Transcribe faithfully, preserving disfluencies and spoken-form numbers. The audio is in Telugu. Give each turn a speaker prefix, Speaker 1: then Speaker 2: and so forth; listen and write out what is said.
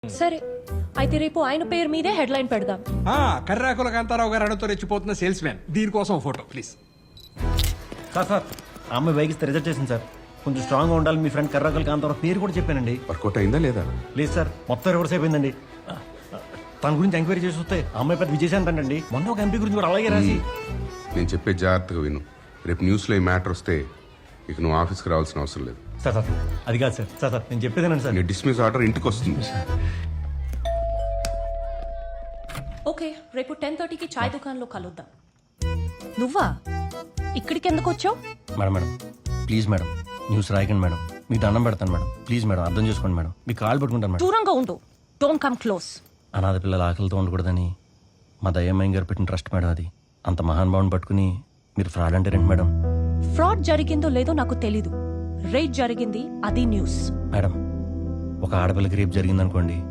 Speaker 1: సరే అయితే రేపు ఆయన పేరు మీదే హెడ్లైన్ పెడదాం.
Speaker 2: ఆ, కర్రాకుల కాంతారావు గారు అడతో రెచ్చిపోతున్న సేల్స్ మ్యాన్, దీనికోసం ఫోటో ప్లీజ్.
Speaker 3: సార్ సార్ ఆ అమ్మాయి బైక్ ఇస్తే రిజెక్ట్ చేసింది సార్. కొంచెం స్ట్రాంగ్గా ఉండాలి, మీ ఫ్రెండ్ కర్రకల్ కాంతారావు పేరు కూడా చెప్పానండి.
Speaker 4: వర్కౌట్ అయిందా లేదా?
Speaker 3: లేదు సార్, మొత్తం రివర్స్ అయిపోయిందండి. తన గురించి ఎంక్వైరీ చేసి వస్తే ఆ అమ్మాయి పెద్ద విజయశాంతి అండి. మొన్న ఒక ఎంపీ గురించి కూడా అలాగే రాసి.
Speaker 4: నేను చెప్పే జాగ్రత్తగా విను. రేపు న్యూస్లో ఈ మ్యాటర్ వస్తే ఇక నువ్వు ఆఫీస్కి రావాల్సిన అవసరం లేదు.
Speaker 3: సార్ సార్ అది కాదు సార్. సార్ సార్ నేను చెప్పేదేనండి సార్.
Speaker 4: నీ డిస్మిస్ ఆర్డర్ ఇంటికి వస్తుంది.
Speaker 1: ఓకే, రేపు టెన్ థర్టీకి చాయ్ దుకాణంలో కలుద్దాం.
Speaker 5: నువ్వా ఇక్కడికి ఎందుకు వచ్చావు?
Speaker 3: Madam madam please madam, news రాయకండి మేడం. మీకు దండం పెడతాను మేడం. ప్లీజ్ మేడం అర్థం చేసుకోండి మేడం. మీకు కాల్ పెట్టుకుంటాను మేడం.
Speaker 1: దూరంగా ఉండు, డోంట్ కమ్ క్లోజ్.
Speaker 3: అనాథ పిల్లల ఆకలితో ఉండకూడదని మా దయ్యమ్మయ్య గారు పెట్టిన ట్రస్ట్ మేడం అది. అంత మహానుభావుని పట్టుకుని మీరు ఫ్రాడ్ అంటే రండి మేడం.
Speaker 1: ఫ్రాడ్ జరిగిందో లేదో నాకు తెలీదు, రేట్ జరిగింది, అది న్యూస్.
Speaker 3: మేడం ఒక ఆడపిల్లకి రేపు జరిగిందనుకోండి,